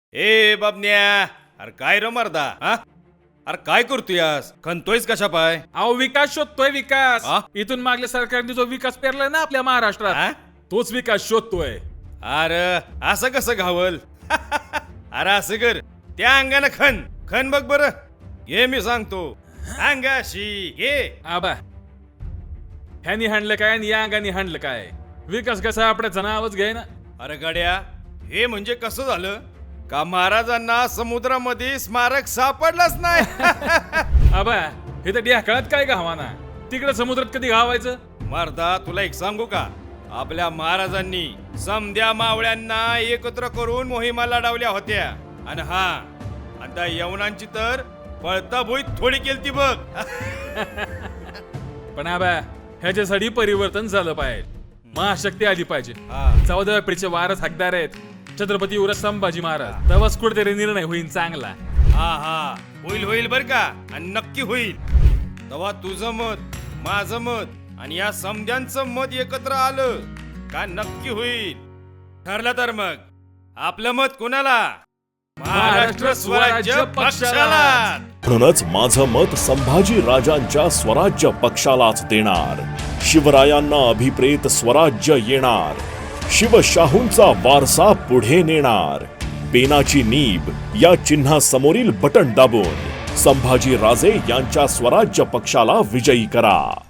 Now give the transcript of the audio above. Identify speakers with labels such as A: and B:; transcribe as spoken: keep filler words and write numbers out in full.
A: ए बाबन्या, अरे काय रे मर्दा, हा? अरे काय करतोयस? खणतोयस कशा पाय?
B: अहो विकास शोधतोय विकास.
A: हा?
B: इथून मागल्या सरकारने जो विकास पेरलाय ना आपल्या महाराष्ट्रात,
A: हा?
B: तोच विकास शोधतोय.
A: अरे असं कसं घावल? अरे असं कर, त्या अंगानं खण खण बघ बर. घे मी सांगतो, अंगाशी घे.
B: आबा ह्यानी हाणलं काय आणि या अंगाने हाणलं काय? विकास कसा आपल्याचं नावच घ्याय ना.
A: अरे गड्या, हे म्हणजे कसं झालं का महाराजांना समुद्रामध्ये स्मारक सापडलंच नाही.
B: आबा हे तर ढेकळात काय घावाना, तिकडे समुद्रात कधी घावायचं?
A: मर्दा तुला एक सांगू का, आपल्या महाराजांनी समध्या मावळ्यांना एकत्र करून मोहिमा लढवल्या होत्या. आणि हा आता यवनांची तर पळता भुईत थोडी केलती बघ.
B: पण आबा ह्याच्यासाठी परिवर्तन झालं पाहिजे, महाशक्ती आली पाहिजे.
A: हा.
B: चौदाव्या पिढीचे वारस हकदार आहेत छत्रपती युवराज संभाजी महाराज. तेव्हाच कुठेतरी निर्णय होईल चांगला.
A: हा हा होईल होईल बर का, आणि नक्की होईल. तेव्हा तुझं मत, माझं मत आणि या समध्यांचं मत एकत्र आलं का नक्की होईल. ठरलं तर मग आपलं मत कोणाला? महाराष्ट्र स्वराज्य पक्षाला.
C: म्हणूनच माझं मत संभाजी राजांच्या स्वराज्य पक्षालाच देणार. शिवरायांना अभिप्रेत स्वराज्य येणार. शिवशाहूंचा वारसा पुढे नेणार. पेनाची नीब या चिन्हासमोरील बटन दाबून संभाजी राजे यांच्या स्वराज्य पक्षाला विजयी करा.